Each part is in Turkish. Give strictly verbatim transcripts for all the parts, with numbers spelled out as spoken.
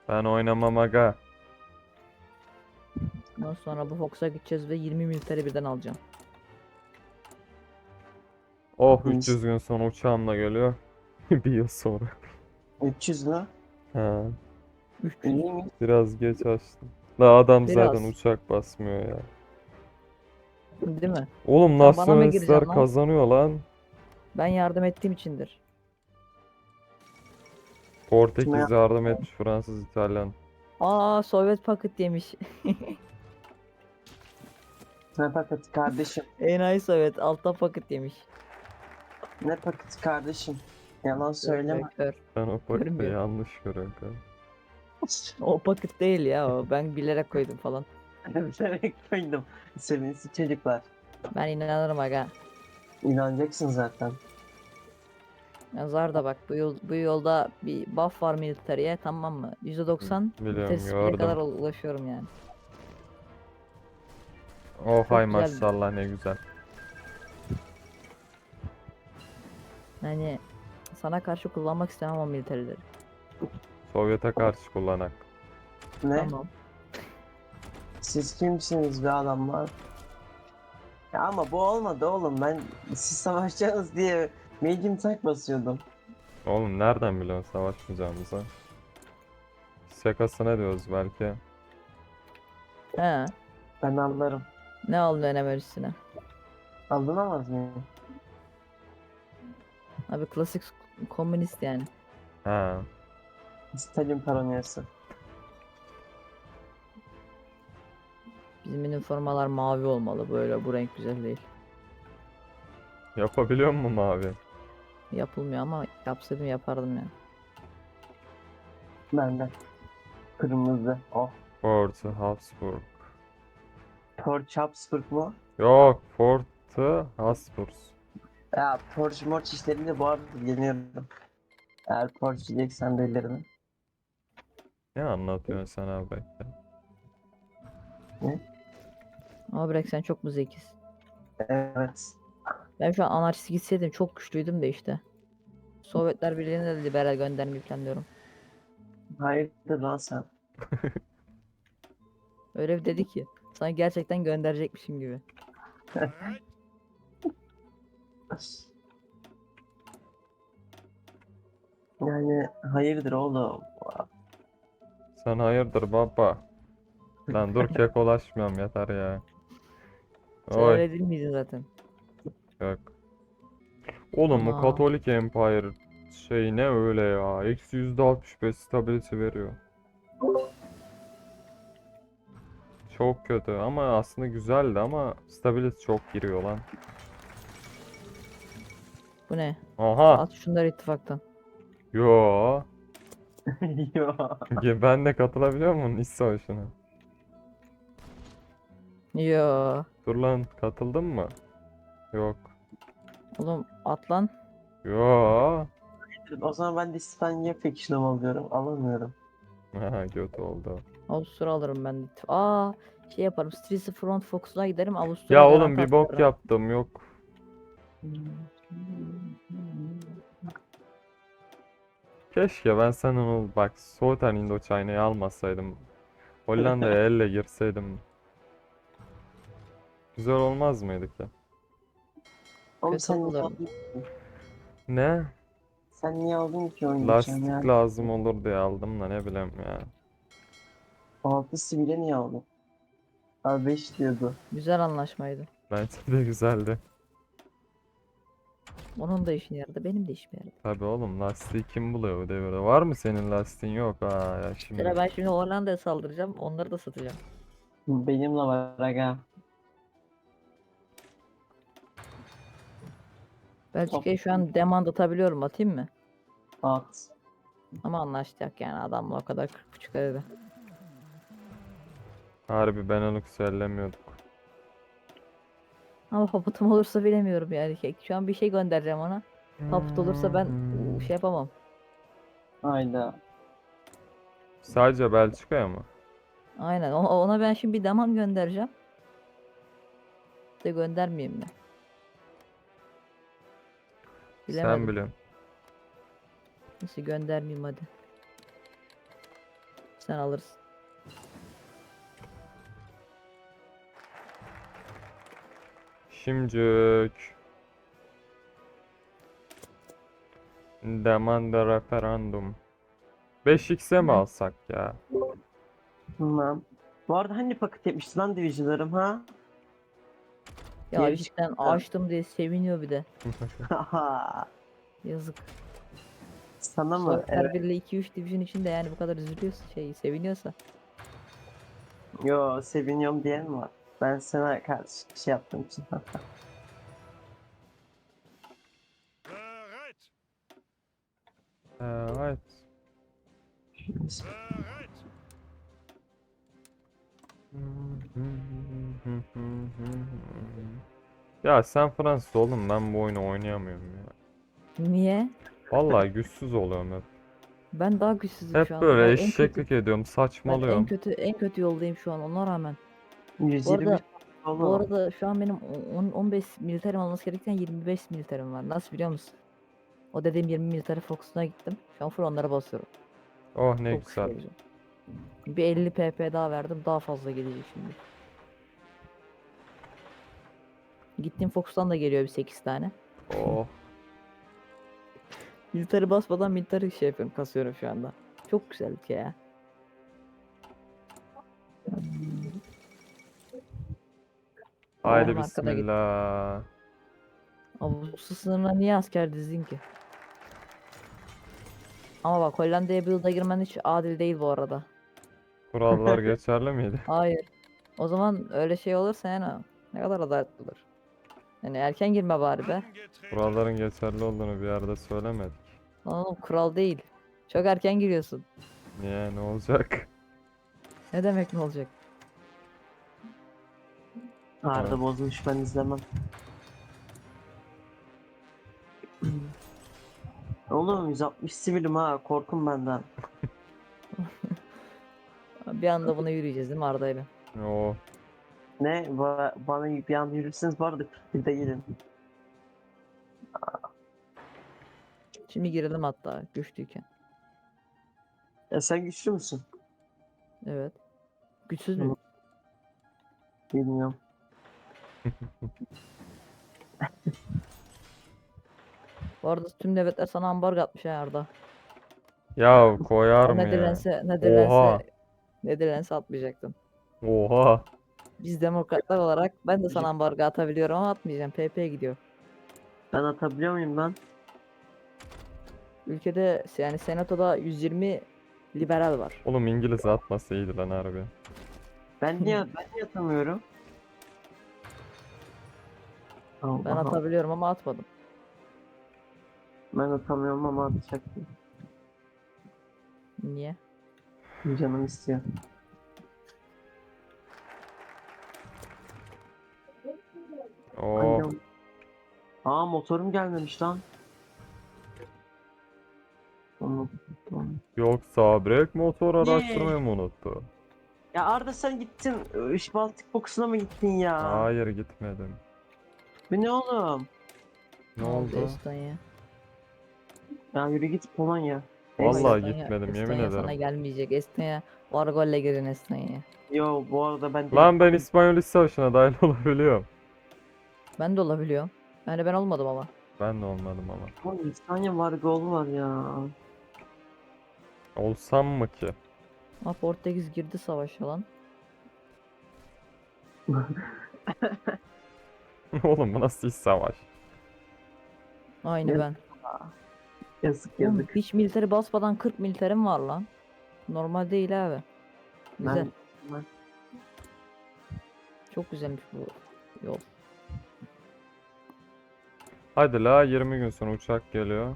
Ben oynamam aga. Ondan sonra bu Fox'a gideceğiz ve yirmi militeri birden alacağım. Oh üç yüz gün sonra uçağımla geliyor. Bir yıl sonra. üç yüz mü? Ha, üç yüz. İyi mi? biraz geç açtım. Daha adam zaten Biraz. uçak basmıyor ya. Değil mi? Oğlum Sen bana mı nasyonalistler gireceksin lan? kazanıyor lan. Ben yardım ettiğim içindir. Kime Portekiz yap- yardım etmiş, Fransız, İtalyan. Aa, Sovyet paket yemiş. Ne paketi kardeşim? Enayi Sovyet altta paket yemiş. Ne paketi kardeşim? Yalan söyleme. Kör. Ben o paketi Görmüyor. yanlış görüyorum. kanka. O paket değil ya o. Ben bilerek koydum falan. Bilerek koydum. Sevinçli çocuklar. Ben inanırım aga. İnanacaksın zaten. Yazar da bak bu yol bu yolda bir buff var militariye, tamam mı? yüzde doksan Biliyorum, military speed'e kadar gördüm. ulaşıyorum yani. Oh hay güzel. maşallah ne güzel. Yani sana karşı kullanmak istemem o militarileri. Sovyet'e karşı kullanak. Ne? Tamam. Siz kimsiniz be adamlar? Ya ama bu olmadı oğlum. Ben siz savaşacaksınız diye medium tank basıyordum. Oğlum nereden biliyorsun savaşmayacağımızı? Şakasına diyoruz belki. He. Ben anlarım. Ne aldın eneme üstüne? Alınamaz mıyım? Abi klasik komünist yani. Hmm. Ha. Stalin paranoyası. Bizim üniformalar mavi olmalı, böyle bu renk güzel değil. Yapabiliyor mu mavi? Yapılmıyor ama yapsaydım yapardım yani. Benden. Kırmızı. Oh. Fort Habsburg. Torch Habsburg mu? Yok, Fort Habsburg. Ya Torch Morch işlerinde bu arada yeniyorum. Eğer Torch diyeceksen bellerini. Ne anlatıyorsun sen abi? Ama bırak, sen çok mu zekisin? Evet. Ben şu an anarşist gitseydim çok güçlüydüm de işte. Sovyetler Birliği'ne de liberal göndermeyi planlıyorum. Hayırdır lan sen? Öyle bir dedi ki sanki gerçekten gönderecekmişim gibi. Yani hayırdır oğlum? Sen hayırdır baba? Lan dur kekolaşmıyorum yeter ya. Sen Oy öyle değil miydin zaten? yok. Oğlum bu Ana. Katolik Empire şey ne öyle ya? Eksi yüzde altmış beş stability veriyor. Çok kötü ama aslında güzeldi ama stability çok giriyor lan. Bu ne? Aha. At şunları ittifaktan. Yo. Yo. Ben de katılabiliyor muyum iç savaşına? Yo. Dur lan katıldın mı? Yok. Oğlum at lan. Yo. O zaman ben de İspanya Faction'ım alıyorum. Alamıyorum. Ha kötü oldu. Avusturya alırım ben de. Aa, şey yaparım. Streets Front Fox'una giderim. Ya Avusturya oğlum garanti bir bok attırırım. yaptım yok. Keşke ben senin o bak Southern Indochina'yı almasaydım. Hollanda'ya elle girseydim. Güzel olmaz mıydı ki? Oğlum Kötü sen niye olurdu. aldın? Ne? Sen niye aldın ki oynayacağım Lastik ya? lazım olur diye aldım da ne bileyim ya. Altı sivile niye aldın? Abi beş diyordu. Güzel anlaşmaydı. Bence de güzeldi. Onun da işine yaradı. Benim de işime yaradı. Tabii oğlum lastiği kim buluyor bu devirde? Var mı senin lastiğin? Yok ha ya şimdi. Sıra ben şimdi Hollanda'ya saldıracağım. Onları da satacağım. Benimle var aga. Belçika'ya şu an demand atabiliyorum. Atayım mı? At. Ama anlaştık yani, adamla o kadar kırk buçuk dedi. Harbi Benelux'u ellemiyorduk. Ama paputum olursa bilemiyorum yani. Şu an bir şey göndereceğim ona. Paput olursa ben uu, şey yapamam. Hayda. Sadece Belçika'ya mı? Aynen. Ona, ona ben şimdi bir demand göndereceğim. De göndermeyeyim mi? Sen Bilemedim. biliyorsun. Nasıl göndermeyeyim hadi. Sen alırsın. Şimdicik. Demanda referandum. beş x'e mi Ne? alsak ya? Tamam. Bu arada hani paket etmişti lan Division'larım ha? Ya Geri cidden çıktı. açtım diye seviniyor bir de. Haha. Yazık. Sana mı? Survivor Evet. bir ile iki üç division içinde yani bu kadar üzülüyorsa şey seviniyorsa. Yo, seviniyorum diyen mi var? Ben sana karşı şey yaptığım için. Bereit! Evet. Bereit! Ya sen Fransız oğlum, ben bu oyunu oynayamıyorum ya. Niye? Vallahi güçsüz oluyorum hep. Ben daha güçsüzüm şu Hep anda. böyle Ben en kötü eşeklik ediyorum, ben en saçmalıyorum. kötü en kötü yoldayım şu an ona rağmen. Bu yüz yirmi arada bu oğlum. arada şu an benim on on beş militerim olması gerekirken yirmi beş militerim var. Nasıl biliyor musun? O dediğim yirmi military Fox'una gittim. Şu an full onlara basıyorum. Oh ne Çok güçlü güzel. olacağım. Bir elli P P daha verdim. Daha fazla gelecek şimdi. Gittiğim Fox'tan da geliyor bir sekiz tane. Oh. Military basmadan military şey yapıyorum. Kasıyorum şu anda. Çok güzel bir şey ya. Haydi Babamın arkada git. bismillah. Avusturya sınırına niye asker dizdin ki? Ama bak Hollanda'ya bir yılda girmen hiç adil değil bu arada. Kurallar geçerli miydi? Hayır. O zaman öyle şey olursa yani ne kadar adaletli olur. Yani erken girme bari be. Angetreten! Kuralların geçerli olduğunu bir yerde söylemedik. Lan oğlum kural değil. Çok erken giriyorsun. Niye, ne olacak? Ne demek ne olacak? Arda Evet. bozmuş, ben izlemem. Oğlum yüz altmış sivilim ha, korkun benden. Bir anda buna yürüyeceğiz değil mi Arda'yla? Oh. Ne? Ba bana bir an yürürseniz bu arada bir de gelin. Şimdi girelim hatta güçlüyken. Ya sen güçlü müsün? Evet. Güçsüz Hı. mü? Bilmiyorum. Bu arada tüm devletler sana ambargo atmış ha Arda. Ya koyar O mı ya? Netherlands'e Netherlands'e Oha. Netherlands'e atmayacaktın. Oha. Biz demokratlar olarak ben de sana ambargo atabiliyorum ama atmayacağım. P P gidiyor. Ben atabiliyor muyum lan? Ülkede yani senatoda yüz yirmi liberal var. Oğlum İngiliz atması iyiydi lan harbi. Ben niye ben niye atamıyorum? Allah Ben Allah. atabiliyorum ama atmadım. Ben atamıyorum ama atacaktım. Niye? Canım istiyor. Oh. Annem. Aa, motorum gelmemiş lan. Unuttum. Yoksa brake motor Niye? araştırmayı mı unuttu? Ya Arda sen gittin. Iş Baltık Boksuna mı gittin ya? Hayır gitmedim. Bu ne oğlum? Ne oldu? Estonya? Ya yürü git Polonya. Vallahi Neyse. Estonya- gitmedim, yemin Estonya sana ederim. gelmeyecek. Estonya var golle girin Estonya'ya. Yo, bu arada ben Lan ben İspanyol İç Savaşı'na dahil olabiliyorum. Ben de olabiliyorum. Yani ben olmadım ama. Ben de olmadım ama. Oğlum, İspanya var, gol var ya. Olsam mı ki? Ama Portekiz girdi savaşa lan. Oğlum bu nasıl iç savaş? Aynı Ne? ben. Yazık Oğlum, yazık. hiç militeri basmadan kırk militerim var lan. Normal değil abi. Güzel. Ben, ben Çok güzelmiş bu yol. Hadi la, yirmi gün sonra uçak geliyor.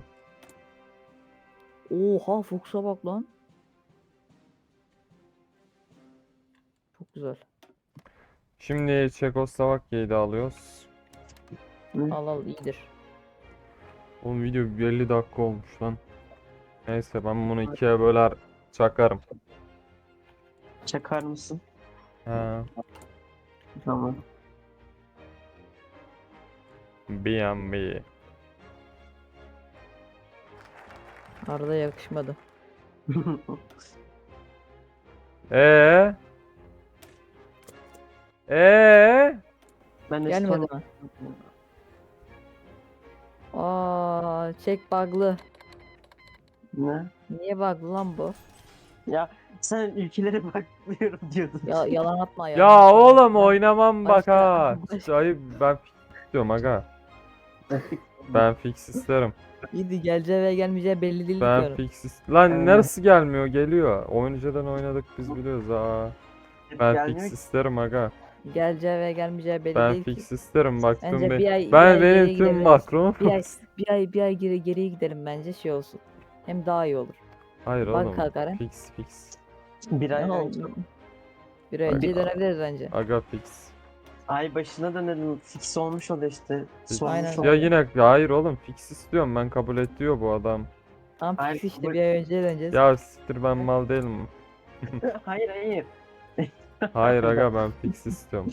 Oha Fuchs'a bak lan. Çok güzel. Şimdi Çekoslovakya'yı da alıyoruz. Al al iyidir. Oğlum video elli dakika olmuş lan. Neyse ben bunu ikiye böler çakarım. çakar mısın? Ha, Tamam. B and B. Arada yakışmadı. Ee? Ee? Ben de Gelmedi sonra- mi? Aa, çek bug'lı. Ne? Niye bug'lı lan bu? Ya sen ülkelere bakmıyorum diyordun. Ya yalan atma yalan Ya atma. oğlum Ben- oynamam bak başka- ha. başka- Ayıp ben fix istiyorum aga. Ben fix isterim. İyiydi geleceği ve gelmeyeceği belli değil Ben diyorum. fix ist- Lan Aynen. neresi gelmiyor? Geliyor. Oyuncudan oynadık biz biliyoruz ha. Ben Gelmiyor fix ki. isterim aga. Geleceği ve gelmeyeceği belli Ben değil ki. fix isterim bak tüm Bence be- bir ay, bir Ben ay geriye benim tüm gidebiliriz. makromu Bir ay, fix. bir ay, bir ay geri, geriye gidelim bence şey olsun. Hem daha iyi olur. Hayır Bak oğlum. kalkar hem. Fix fix. Bir ay Ne önce. oldu? Bir ay önce dönebiliriz bence. Aga fix. Ay başına dönelim. Fix olmuş o da işte. Sormuş Aynen. oldu. Ya yine hayır oğlum fix istiyorum ben kabul et diyor bu adam. Tam Ay, fix işte bu- bir ay önce döneceğiz. Ya siktir ben mal değilim. Hayır hayır. Hayır aga ben fix istiyorum.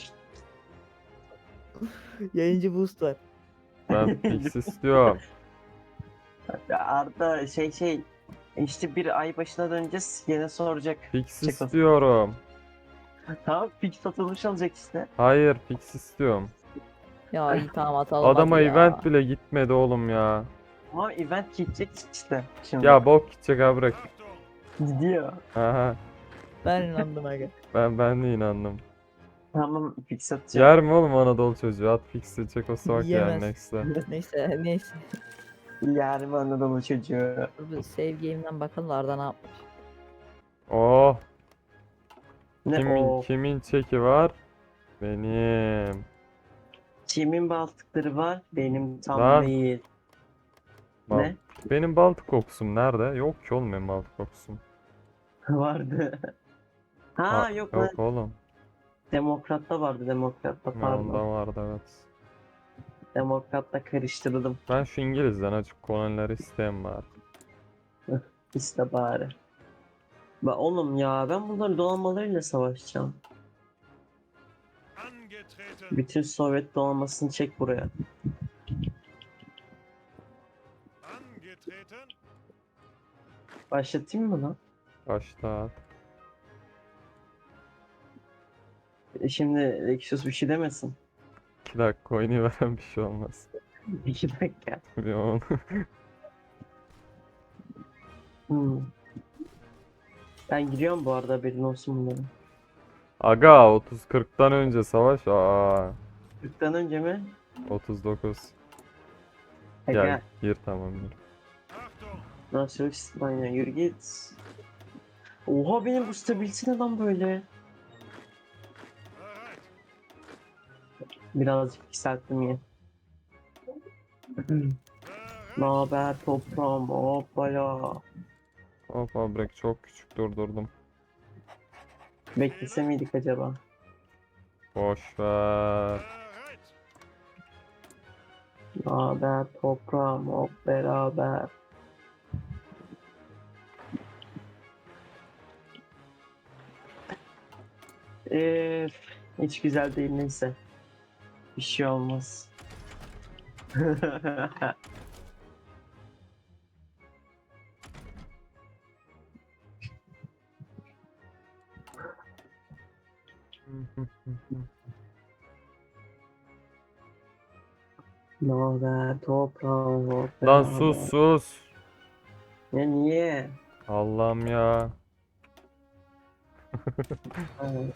Yayıncı boost var. Ben fix istiyorum. Ya Arda şey şey işte bir ay başına döneceğiz yine soracak. Fix Çek o- istiyorum. Tamam fix satılmış olacak işte. Hayır fix istiyorum. Ya iyi tamam atalım Adama hadi ya. event bile gitmedi oğlum ya. Ama event gidecek işte şimdi. Ya bok gidecek abi bırak. Gidiyor. Aha, Ben inandım aga. ben ben de inandım. Tamam fix atacağım. Yer mi oğlum Anadolu çocuğu? At fix'i Çekoslovakya yani Yiyemez. next'e. Neyse neyse. Yarım Anadolu çocuğu. Dur bir save game'den bakalım da Arda ne yapmış. Oh, Ne kimin o? kimin çeki var? Benim. Kimin baltıkları var? Benim tam Lan. değil. Bal- Ne? Benim Baltık kokusum nerede? Yok ki oğlum benim Baltık kokusum. Vardı. Ha, Ha, yok lan. yok oğlum. Demokrat'ta vardı Demokrat'ta Ben pardon. onda vardı evet. Demokrat'ta karıştırdım. Ben şu İngilizden açık kolonileri isteyen var. İşte bari. Ba oğlum ya ben bunların donanmalarıyla savaşacağım. Angetreten. Bütün Sovyet donanmasını çek buraya. Angetreten. Başlatayım mı lan? Başlat. E şimdi Lexus bir şey demesin. iki dakika oynayıveren bir şey olmaz. İki dakika. Bir on. Hmm. Ben giriyorum bu arada haberin olsun bunların. Aga otuz kırktan önce savaş. Aa kırktan önce mi? otuz dokuz. Aga, Gel gir tamam gir. Achtung. nasıl İspanya yürü git. Oha benim bu stability ne lan böyle? Bereit. Birazcık yükselttim ya. Bereit. Ne haber toprağım hoppala. Hop abrek çok küçük durdurdum. Beklese miydik acaba? Boş ver. Bereit. Ne haber toprağım hop beraber. Eee hiç güzel değil neyse. Bir şey olmaz. Ne haber toprağım hop Lan beraber. sus sus. Ya niye? Allah'ım ya. Evet.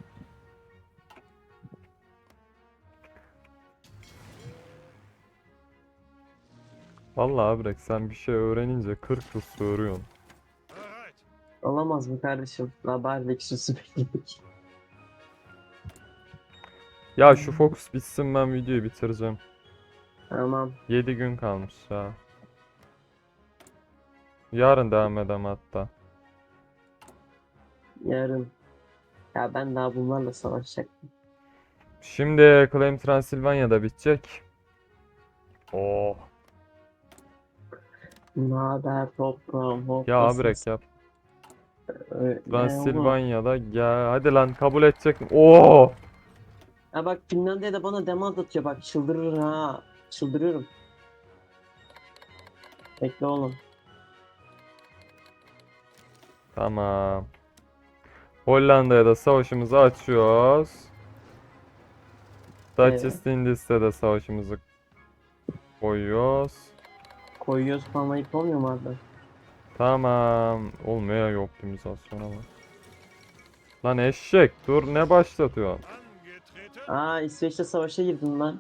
Vallahi abrek sen bir şey öğrenince kırk yıl soruyorsun. Bereit. Olamaz mı kardeşim? Haber Lexus'u bekledik. Ya şu Focus bitsin ben videoyu bitireceğim. Tamam. yedi gün kalmış ya. Yarın devam edem hatta. Yarın. Ya ben daha bunlarla savaşacaktım. Şimdi Claim Transylvania'da bitecek. Oh. Ne haber toprağım hop. Ya nasılsın? abrek yap. Ee, ne oldu? Transilvanya'da gel. Hadi lan kabul edecek mi? Oo. Ha bak Finlandiya'da bana demand atıyor bak çıldırır ha. Çıldırıyorum. Bekle oğlum. Tamam. Hollanda'ya da savaşımızı açıyoruz. Dutch Evet. East Indies'te de savaşımızı koyuyoruz. Koyuyoruz falan ayıp olmuyor mu abi? Tamam. Olmuyor ya optimizasyona bak. Lan eşek dur ne başlatıyorsun? Angetreten. Aa, İsveç'te savaşa girdin lan.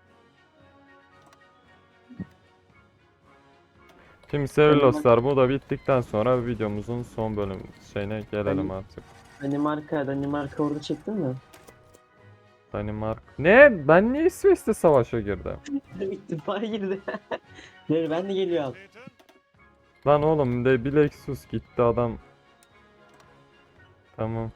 Şimdi sevgili dostlar bu da bittikten sonra videomuzun son bölüm şeyine gelelim Ben- artık. Danimarka, Danimarka ordu çektin mi? Danimarka. Ne? Ben niye İsveç'te savaşa girdim? İttifaka girdi. Dur ben de geliyorum. Treten. Lan oğlum de bir Lexus gitti adam. Tamam.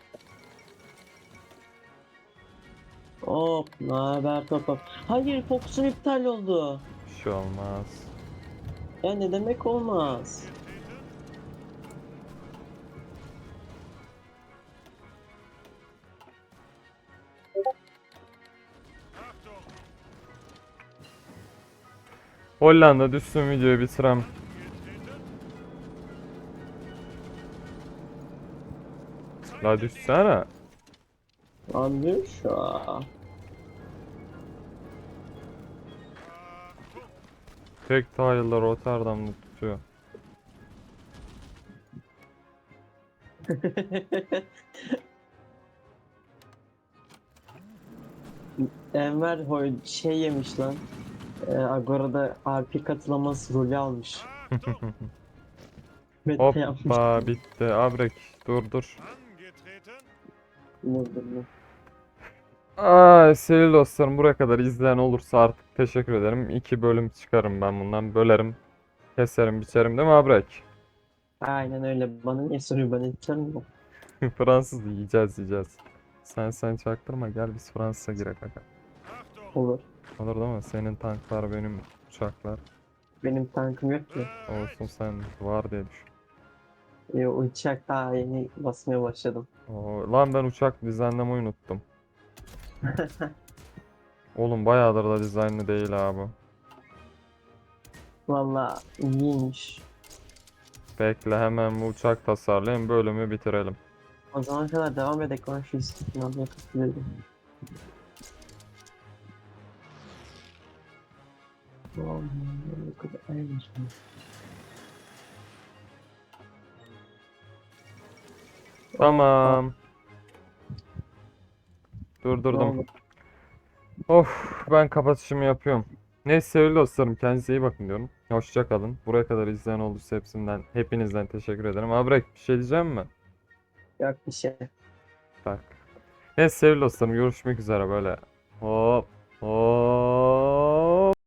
Hop, naber top top. Hayır, Fox'un iptal oldu. Bir şey olmaz. Ya ne demek olmaz? Achtung. Hollanda düşsün videoyu bitirem. Angetreten. La düşsene. Anlıyor şu an. Achtung. Tek tile'lar Rotterdam'da tutuyor. Enver Hoy şey yemiş lan. Ee, Agora'da R P katılaması rolü almış. Achtung. Mete yapmış. Hoppa bitti. Abrek dur dur. Angetreten. Dur, dur, dur. Ay sevgili dostlarım buraya kadar izleyen olursa artık teşekkür ederim. İki bölüm çıkarım ben bundan. Bölerim. Keserim biçerim değil mi Abrek? Aynen öyle. Bana niye soruyor? Ben edeceğim mi? Fransız yiyeceğiz yiyeceğiz. Sen sen çaktırma gel biz Fransız'a girek aga. Achtung. Olur. Olur değil mi? Senin tanklar benim uçaklar. Benim tankım yok ki. Olsun sen var diye düşün. Ee, uçak daha yeni basmaya başladım. Oo, lan ben uçak dizaynlamayı unuttum. Oğlum bayağıdır da dizaynlı değil abi. Valla iyiymiş. Bekle hemen bu uçak tasarlayayım bölümü bitirelim. O zamana kadar devam edelim. Ben şu istiklal almaya katılıyorum. Vallahi ne kadar iyiymiş bu. Tamam. Durdurdum. Of ben kapatışımı yapıyorum. Neyse sevgili dostlarım kendinize iyi bakın diyorum. Hoşça kalın. Buraya kadar izleyen olursa hepsinden hepinizden teşekkür ederim. Abrek bir şey diyeceğim mi? Yok bir şey. Bak. Neyse sevgili dostlarım görüşmek üzere böyle. Hop.